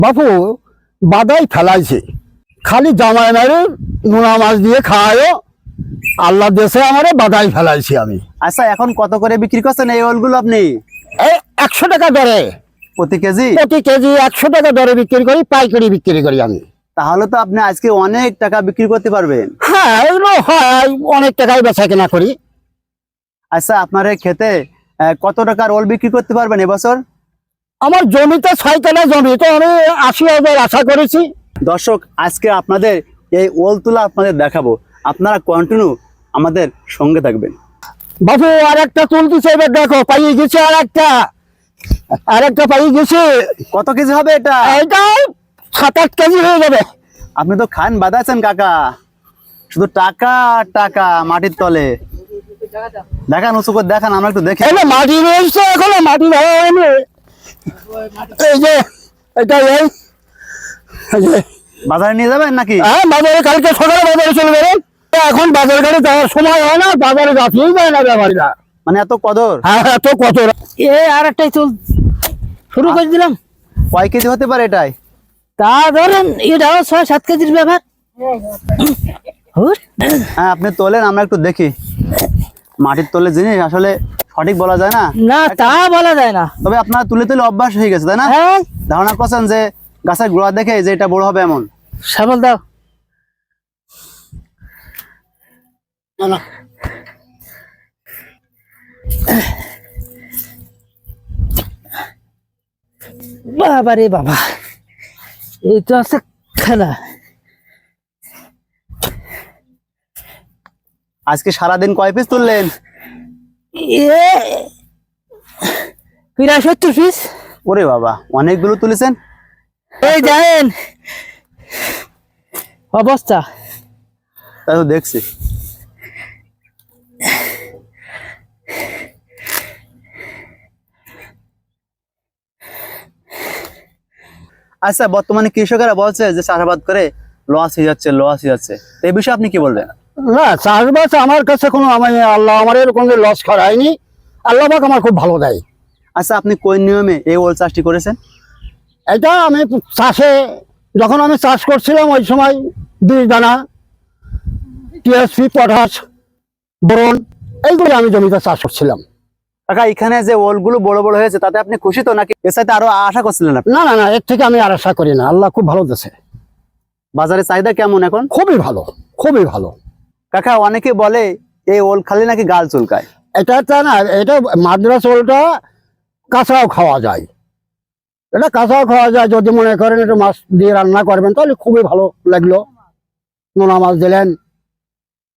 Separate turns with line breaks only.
বাপু বাদাই ফেলাইছে, খালি জামাই মেরে নোনা মাছ দিয়ে খাওয়ায়, আল্লাহ দেশে আমারে বাদাই ফেলাইছি আমি।
আচ্ছা এখন কত করে বিক্রি করছেন এই ওলগুলো আপনি?
এই 100 টাকা দরে
প্রতি কেজি?
প্রতি কেজি 100 টাকা দরে বিক্রি করি, পাইকারি বিক্রি করি আমি।
তাহলে তো আপনি আজকে অনেক টাকা বিক্রি করতে পারবেন।
হ্যাঁ এগুলো হয়, অনেক টাকায় বেচা কেনা করি।
আচ্ছা আপনার এই ক্ষেতে কত টাকার ওল বিক্রি করতে পারবেন এবছর?
আমার জমিতে 6 কাঠা জমি, তো আমি 80,000 আশা করেছি।
দর্শক আজকে আপনাদের এই ওল তুলা আপনাদের দেখাবো, আপনারা কন্টিনিউ আমাদের সঙ্গে থাকবেন।
বাবু আর একটা তুলতেছে, এবার দেখো পাইয়ে গেছে, আর একটা পাইয়ে গেছে।
কত কেজি হবে এটা?
এটা 7-8 কেজি হয়ে যাবে।
আপনি তো খান বাঁধাচ্ছেন কাকা, শুধু টাকা আর টাকা মাটির তলে। দেখান উঁচু করে দেখান, আমরা একটু দেখি।
মাটি রয়েছে, এখনো মাটি হয়নি। এই যে এটা
বাজারে নিয়ে যাবেন নাকি?
হ্যাঁ বাজারে, কালকে সকালে বাজারে চলে যাবেন। এখন বাজার ঘাটে যাওয়ার সময় হয় না, বাজারে যাচ্ছেই যায় না ব্যাপারীরা।
মানে এত কদর?
হ্যাঁ এত কত।
আর একটাই চল শুরু করে দিলাম।
কয় কেজি হতে পারে এটাই?
তা ধরেন এটাও 6-7 কেজির ব্যাপার।
হ্যাঁ আপনি তোলেন, আমরা একটু দেখি। মাটির তলে জিনিস আসলে সঠিক বলা যায় না।
না তা বলা যায় না,
তবে আপনার তুলে তুলে অভ্যাস হয়ে গেছে তাই না?
হ্যাঁ
ধারণা করছেন যে গাছের গোড়া দেখে যে এটা বড় হবে এমন?
সাবল দাও। বাবা রে বাবা, এই তো আছে খেলা।
আজকে সারাদিন কয় পিস তুললেন?
প্রায় 70 পিস।
ওরে বাবা, অনেকগুলো তুলেছেন।
এই জানেন অবস্থা।
তাই তো দেখছি। আচ্ছা বর্তমানে কৃষকেরা বলছে যে চাষাবাদ করে লস হয়ে যাচ্ছে, এই বিষয়ে আপনি কি বলবেন?
না চাষবাস আমার কাছে কোনো, আল্লাহ আমার এরকম লস করায়নি। আল্লাহ পাক আমার খুব ভালো দেয়।
আচ্ছা আপনি কোন নিয়মে এই ওল চাষটি করেছেন?
এটা আমি চাষে, যখন আমি চাষ করছিলাম ওই সময় 2 দানা টিএসপি, পটাশ, বোরন এইগুলো আমি জমিতে চাষ করছিলাম।
কাকা এখানে যে ওলগুলো বড় বড় হয়েছে তাতে আপনি খুশি তো, নাকি এর সাথে আরো আশা করছিলেন আপনি?
না না না, এর থেকে আমি আর আশা করি না। আল্লাহ খুব ভালো দিয়েছে।
বাজারে চাহিদা কেমন এখন?
খুবই ভালো, খুবই ভালো।
কাকা অনেকে বলে এই ওল খালি নাকি গাল চুলকায়।
এটা না, এটা মাদ্রাস ওলটা কাঁচাও খাওয়া যায়। এটা কাঁচাও খাওয়া যায়, যদি মনে করেন একটু মাছ দিয়ে রান্না করবেন তাহলে খুবই ভালো লাগলো। নোনা মাছ দিলেন,